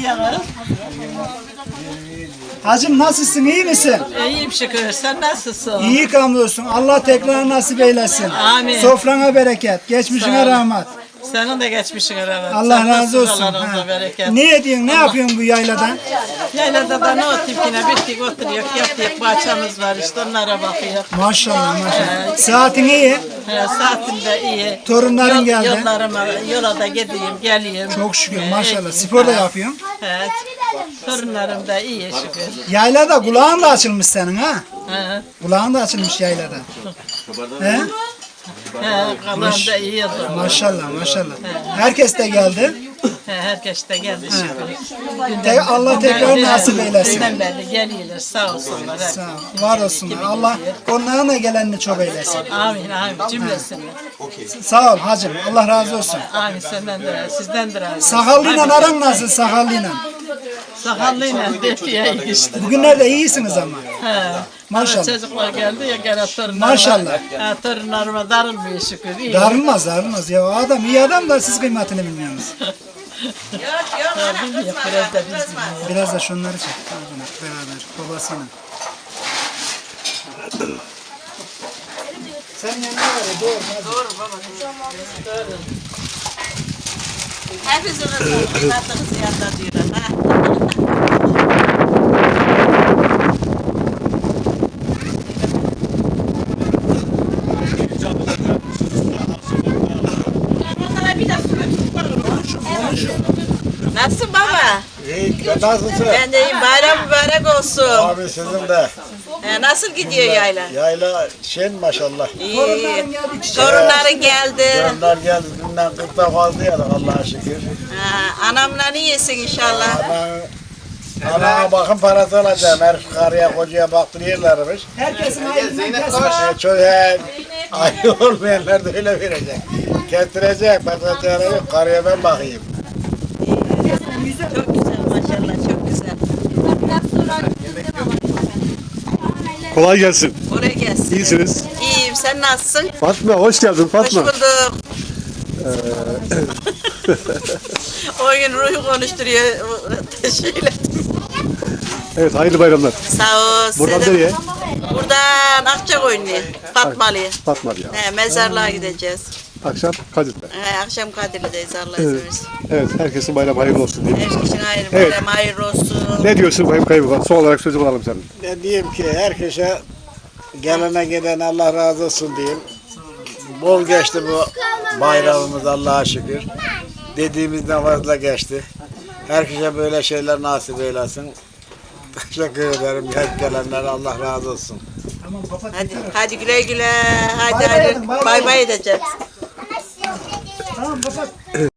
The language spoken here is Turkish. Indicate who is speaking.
Speaker 1: Hacım nasılsın, iyi misin?
Speaker 2: İyiyim şükür. Sen nasılsın?
Speaker 1: İyi kamlıyorsun. Allah tekrar nasip eylesin.
Speaker 2: Amin.
Speaker 1: Sofrana bereket, geçmişine rahmet.
Speaker 2: Senin de geçmişine rahmet.
Speaker 1: Allah
Speaker 2: Sen
Speaker 1: razı olsun.
Speaker 2: nasılsın?
Speaker 1: Ha.
Speaker 2: Bereket.
Speaker 1: Ne ediyorsun, ne yapıyorsun bu yayladan?
Speaker 2: Yaylada da ne otayım yine bittik oturuyor. Yaptık bahçemiz var işte onlara bakıyor.
Speaker 1: Maşallah maşallah. Saatin iyi.
Speaker 2: Saatim de iyi.
Speaker 1: Torunların geldi.
Speaker 2: Yola da gideyim geleyim.
Speaker 1: Çok şükür maşallah. Spor da yapıyorsun.
Speaker 2: Evet. Torunlarım da iyi şükür.
Speaker 1: Yaylada kulağın da açılmış senin ha.
Speaker 2: He.
Speaker 1: Kulağın da açılmış yaylada. He?
Speaker 2: Kalan da iyi oldu.
Speaker 1: Maşallah maşallah. Herkes de geldi.
Speaker 2: Herkes de geldi şükür.
Speaker 1: Allah tekrar nasip eylesin.
Speaker 2: Dünden beri geliyorlar sağ olsunlar.
Speaker 1: Sağ ol, var olsunlar. Allah onların da gelenini çok eylesin.
Speaker 2: Amin amin cümlesini.
Speaker 1: Sağ ol hacım. Allah razı olsun.
Speaker 2: Amin senden de sizden de razı olsun.
Speaker 1: Sakallıyla aran nasıl sakallıyla?
Speaker 2: Sakallıyla defiye işte.
Speaker 1: Bugünlerde iyisiniz ama.
Speaker 2: He.
Speaker 1: Maşallah.
Speaker 2: Çocuklar geldi ya gene torunlarıma.
Speaker 1: Maşallah.
Speaker 2: Torunlarıma darılmıyor şükür. İyi.
Speaker 1: Darılmaz darılmaz. Ya adam iyi adam da siz kıymetini bilmiyorsunuz.
Speaker 2: Bilmiyor, biraz da biz bilmiyor.
Speaker 1: Biraz da şunları çek. Beraber babasıyla. Sen yanına var ya doğru.
Speaker 2: Doğru baba. Doğru. Hepsi kızı yanında diyorlar. Nasılsın baba?
Speaker 3: İyi, nasılsın?
Speaker 2: Ben de iyiyim. Bayram mübarek olsun.
Speaker 3: Abi sizin de.
Speaker 2: Nasıl gidiyor yayla?
Speaker 3: Yayla şen maşallah.
Speaker 2: İyi. Torunların geldi.
Speaker 3: Onlar geldi, dünden 40'ta fazla yedik Allah'a şükür.
Speaker 2: Anamla iyisin inşallah.
Speaker 3: Anana bakım parası alacağım. Her karıya kocaya baktırıyorlarmış.
Speaker 1: Herkesin ayrılığından kesme.
Speaker 3: Çocuğa ayı olmayanlar da öyle verecek. Kestirecek, bakacak yok. Karıya ben bakayım.
Speaker 2: Çok güzel maşallah çok güzel.
Speaker 4: Kolay gelsin.
Speaker 2: Oraya gelsin.
Speaker 4: İyisiniz.
Speaker 2: İyiyim sen nasılsın?
Speaker 4: Fatma hoş geldin
Speaker 2: Hoş
Speaker 4: Fatma.
Speaker 2: bulduk. O gün ruhu konuşturuyor. Şöyle.
Speaker 4: Evet hayırlı bayramlar.
Speaker 2: Sağ ol.
Speaker 4: Buradan
Speaker 2: Selam.
Speaker 4: nereye?
Speaker 2: Buradan Akçakoyunlu'ya. Fatmalı'ya.
Speaker 4: Fatma ya.
Speaker 2: Mezarlığa gideceğiz.
Speaker 4: Akşam Kadir'de.
Speaker 2: Akşam Kadirli'deyiz Allah izin
Speaker 4: Evet.
Speaker 2: verirse.
Speaker 4: Evet herkesin bayramı hayırlı olsun diye.
Speaker 2: Her kişinin hayırlı
Speaker 4: Evet.
Speaker 2: bayramı hayırlı olsun.
Speaker 4: Ne diyorsun Bayım Kaymakam? Son olarak sözü alalım senin.
Speaker 3: Ben diyeyim ki herkese gelene giden Allah razı olsun diyeyim. Bol geçti bu bayramımız Allah'a şükür. Dediğimizden fazla geçti. Herkese böyle şeyler nasip eylesin. Teşekkür ederim. Hep gelenlere Allah razı olsun.
Speaker 1: Tamam kapat.
Speaker 2: Hadi güle güle. Hadi
Speaker 1: Bay bay
Speaker 2: hadi.
Speaker 1: edin, bay bay.
Speaker 2: Bay bay edeceğiz.
Speaker 1: Tamam kapat.